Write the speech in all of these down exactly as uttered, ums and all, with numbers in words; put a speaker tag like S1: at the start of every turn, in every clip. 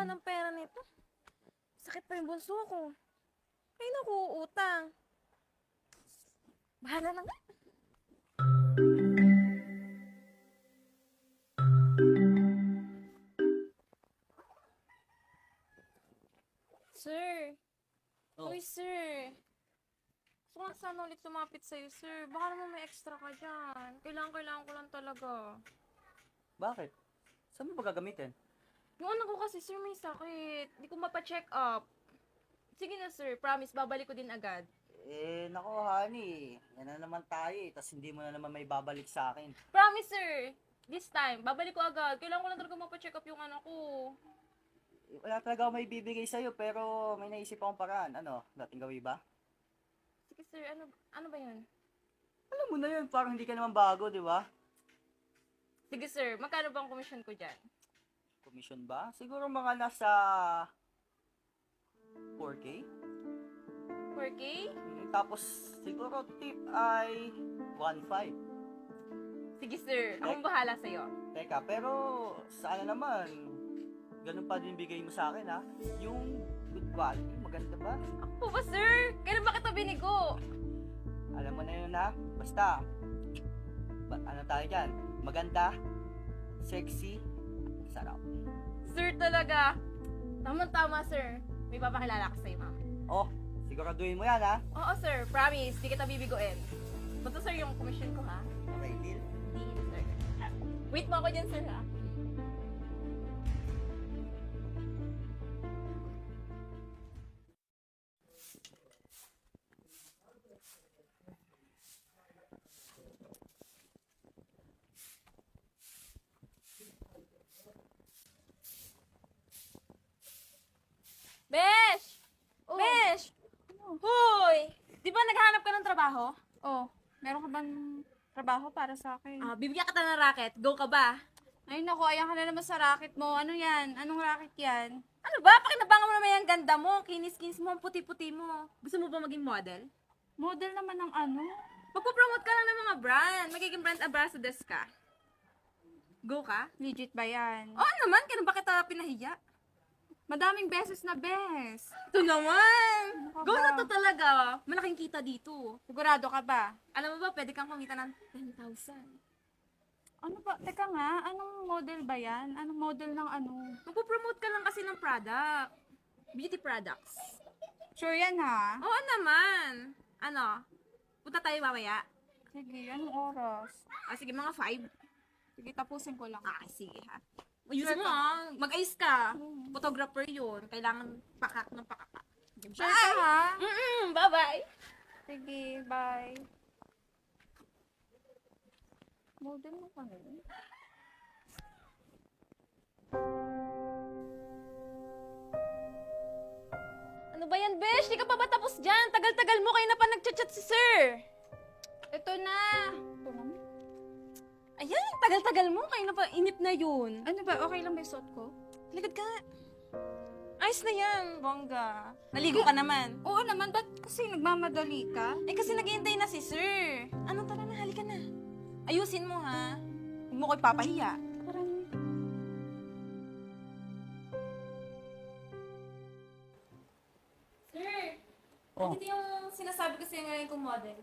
S1: kailangan ng pera nito. Sakit pa yung bunso ko. Ay, naku, utang. Bahala na nga. Sir.
S2: Oh.
S1: Uy, sir. Gusto ko lang sana ulit lumapit sa'yo, sir. Baka naman may extra ka dyan. Kailangan, kailangan ko lang talaga.
S2: Bakit? Saan mo ba gagamitin?
S1: Yung anak ko kasi, sir, may sakit. Hindi ko mapa-check up. Sige na, sir. Promise, babalik ko din agad.
S2: Eh, nako, honey. Yan na naman tayo eh. Tapos hindi mo na naman may babalik sa akin.
S1: Promise, sir. This time, babalik ko agad. Kailangan ko lang talaga mapa-check up yung anak ko.
S2: Eh, wala talaga ako may bibigay sa'yo, pero may naisip akong paraan. Ano? Dating gawin ba?
S1: Sige, sir. Ano, ano ba yun?
S2: Alam mo na yun, parang hindi ka naman bago, di ba?
S1: Sige, sir. Magkano ba ang commission ko dyan?
S2: Commission ba? Siguro mga nasa four K?
S1: four K?
S2: Mm, Tapos, siguro tip ay one point five.
S1: Sige, sir. Akong bahala sa'yo.
S2: Teka, pero sana naman, ganun pa din bigay mo sa akin, ha? Yung good quality, maganda ba?
S1: Ako ba, sir? Kailan ba kita binigo?
S2: Alam mo na yun, ha? Basta, ba, ano tayo dyan? Maganda, sexy, sarap.
S1: Sir talaga. Tama-tama, sir. May papakilala ka sa'yo, mama.
S2: Oh, siguraduhin mo yan, ha?
S1: Oo, sir. Promise. Di kita bibiguin. Basta, sir, yung commission ko, ha?
S2: Okay, deal?
S1: Deal, sir. Wait mo ako dyan, sir, ha? Besh!
S3: Oh.
S1: Besh! Hoy! Di ba naghanap ka ng trabaho?
S3: Oh, meron ka bang trabaho para sa akin?
S1: Ah, bibigyan kita ng racket. Go ka ba?
S3: Ay, naku, ayan ka na naman sa racket mo. Ano yan? Anong racket yan?
S1: Ano ba? Pakinabangan mo naman yung ganda mo. Kinis-kinis mo, ang puti-puti mo. Gusto mo ba maging model?
S3: Model naman ng ano?
S1: Magpo-promote ka lang ng mga brand. Magiging brand ambassadors ka. Go ka?
S3: Legit ba yan?
S1: Oo naman, kailan ba kita pinahiya?
S3: Madaming beses na bes.
S1: Ito naman!
S3: Ano ka
S1: Go
S3: ba?
S1: na to talaga. Malaking kita dito.
S3: Sigurado ka ba?
S1: Alam mo ba, pwede kang kumita ng ten thousand.
S3: Ano ba? Teka nga, anong model ba yan? Anong model ng ano?
S1: Magpo-promote ka lang kasi ng product. Beauty products.
S3: Sure yan ha?
S1: Oo naman. Ano? Punta tayo mamaya.
S3: Sige, anong oras?
S1: Ah, sige, mga five.
S3: Sige, tapusin ko lang.
S1: Ah, sige ha. Ayusin
S3: Sure
S1: mo
S3: ka?
S1: ha. Mag-ayos ka.
S3: Mm.
S1: Photographer yun. Kailangan pakak ng pakak.
S3: Sure ka ha?
S1: Mm-mm, bye-bye.
S3: Sige, bye. Model mo pa rin?
S1: Ano ba yan, Besh? Di ka pa ba tapos dyan? Tagal-tagal mo kayo na pa nagchat-chat si sir.
S3: Ito na. Ito na.
S1: Ayan, tagal-tagal mo. Kayo na pa inip na yun.
S3: Ano ba? Okay lang ba yung suot ko?
S1: Likod ka. Ayos na yan, bongga. Naligo ka naman.
S3: Oo naman, ba't kasi nagmamadali ka?
S1: Eh kasi naghihintay na si sir. Ano, tara na, halika na. Ayusin mo ha. Huwag mo ko ipapahiya.
S3: Parang...
S1: Sir,
S2: Oh.
S1: ito yung sinasabi ko sa'yo ngayon kong model.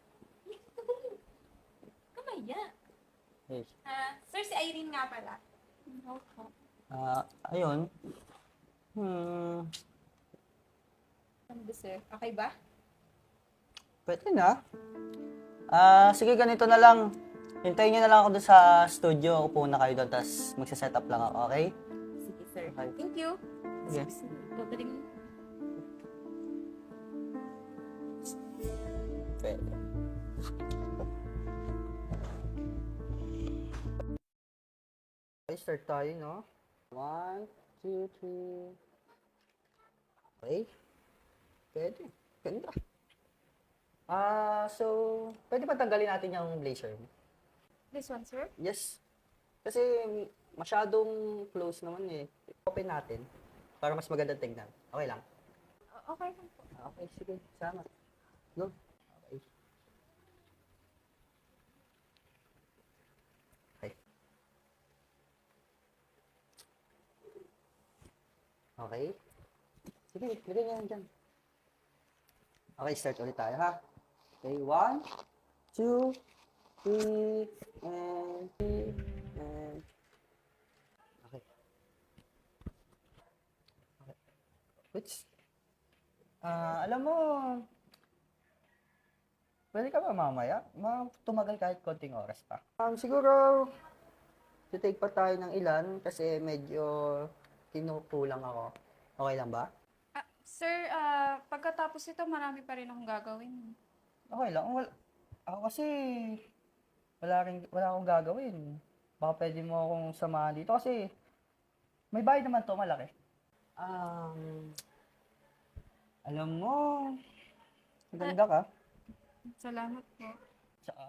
S1: Kamaya.
S2: Hey.
S1: Ah, sir, si Irene nga pala.
S2: Ah, ayun. Hmm,
S1: Ano ba, sir? Okay ba?
S2: pwede na. Ah, sige, ganito na lang. Hintayin niyo na lang ako doon sa studio. Upo na kayo doon, tapos magsa-set up lang ako, okay?
S1: Sige, sir.
S2: Okay.
S1: Thank you.
S2: Sige.
S1: Gagaling mo.
S2: Pwede. Okay, start tayo, no? One, two, three. Okay. Pwede. Ganda. Ah, so, pwede ba tanggalin natin yung blazer mo?
S3: This one, sir?
S2: Yes. Kasi masyadong close naman eh. Open natin para mas maganda tingnan. Okay lang.
S3: Okay lang po.
S2: Ah, Okay, sige. Salamat. No? Okay. Okay. Okay? Sige, lagay niya yan dyan. Okay, start ulit tayo ha. Okay, one, two, three, and three, and... Okay. Okay. Which, ah, alam mo, pwede ka ba mamaya? Ma tumagal kahit konting oras pa. Um, siguro, titake pa tayo ng ilan kasi medyo kinukulang ako. Okay lang ba?
S3: Ah, sir, ah, pagkatapos ito, marami pa rin akong gagawin.
S2: Okay lang. Wala, ako kasi, wala, rin, wala akong gagawin. Baka pwede mo akong samahan dito kasi may bahay naman to malaki. Um, alam mo, maganda ka.
S3: Salamat po.
S2: Tsaka,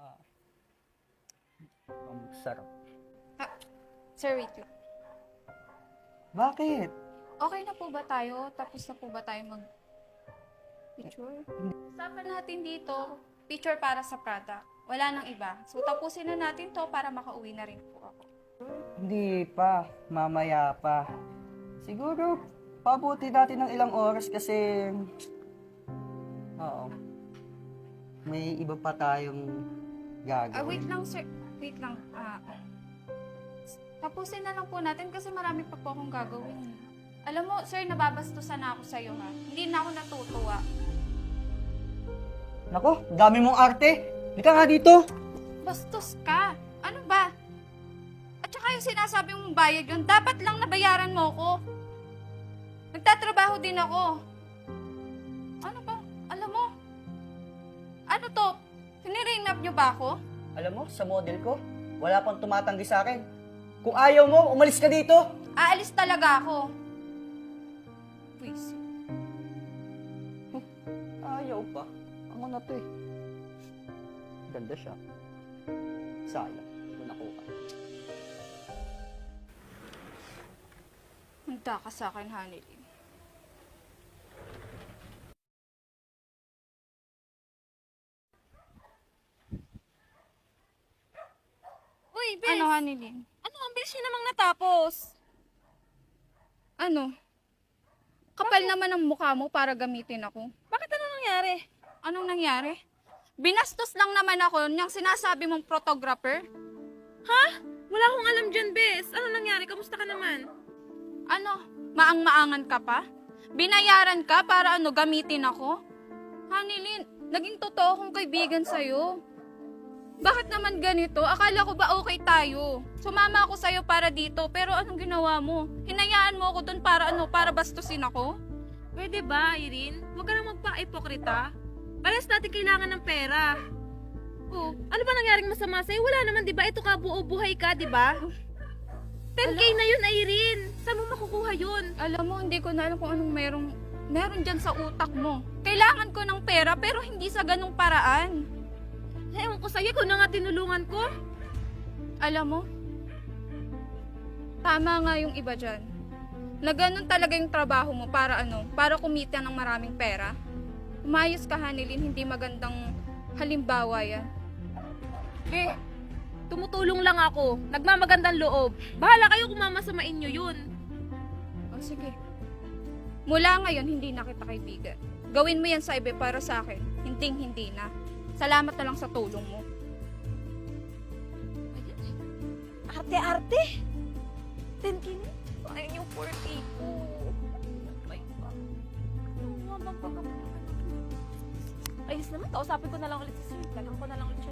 S2: ang sarap.
S3: Ah, sir, wait lang.
S2: Bakit?
S3: Okay na po ba tayo? Tapos na po ba tayo mag picture? Usapan natin dito, picture para sa product. Wala nang iba. So, tapusin na natin to para makauwi na rin po ako.
S2: Hindi pa. Mamaya pa. Siguro, pabuti natin ng ilang oras kasi, oo, may iba pa tayong
S3: Ah,
S2: gagawin.
S3: wait lang, sir. Wait lang. Ah, tapusin na lang po natin kasi marami pa po akong gagawin. Alam mo, sir, nababastusan na ako sa'yo, ha? Hindi na ako natutuwa.
S2: Nako, dami mong arte. Halika nga dito.
S3: Bastos ka. Ano ba? At saka yung sinasabi mong bayad yun, dapat lang nabayaran mo ko. Nagtatrabaho din ako. Ano ba? Alam mo? Ano to? Siniring up niyo ba ako?
S2: Alam mo, sa model ko, wala pang tumatanggi sa akin. Kung ayaw mo, umalis ka dito.
S3: Aalis talaga ako. Please.
S2: Ayaw pa. Ako na to eh. Ganda siya. Sayang. Kung nakuha.
S3: Handa ka sa akin, Hanilin.
S1: Uy, Bes!
S3: Ano, Hanilin?
S1: Ano, ang bilis niyo namang natapos.
S3: Ano? Kapal naman ang mukha mo para gamitin ako.
S1: Bakit ano nangyari?
S3: Anong nangyari? Binastos lang naman ako niyang sinasabi mong photographer.
S1: Ha? Wala akong alam dyan, Bes. Ano nangyari? Kamusta ka naman?
S3: Ano? Maang-maangan ka pa? Binayaran ka para ano, gamitin ako? Hanilin, naging totoo akong kaibigan sa'yo. Bakit naman ganito? Akala ko ba okay tayo? Sumama ako sa'yo para dito, pero anong ginawa mo? Hinayaan mo ako dun para ano, para bastusin ako?
S1: Pwede ba, Irene? Huwag ka nang magpa-ipokrita. Parehas natin kailangan ng pera. Oh, ano ba nangyaring masama sa'yo? Wala naman, di ba? Ito ka, buo buhay ka, di ba? ten K na yun, Irene. Saan mo makukuha yun?
S3: Alam mo, hindi ko na alam kung anong merong, meron dyan sa utak mo. Kailangan ko ng pera, pero hindi sa ganong paraan.
S1: Ewan ko sa'yo, kung na nga tinulungan ko.
S3: Alam mo, tama nga yung iba dyan. Na ganun talaga yung trabaho mo para ano, para kumita ng maraming pera. Umayos ka, Hanilin, hindi magandang halimbawa yan.
S1: Eh, tumutulong lang ako. Nagmamagandang loob. Bahala kayo kung mamasamain nyo yun.
S3: O sige, mula ngayon hindi na kita kaibigan. Gawin mo yan sa iba para sa akin, hinding hindi na. Salamat na lang sa tulong mo.
S1: Arte-arte? ten K na? Ayun yung forty ko. My God. Ano nga bang pagkakas? Ayos naman, kausapin ko na lang ulit si Sir. Tagang ko na lang ulit siya.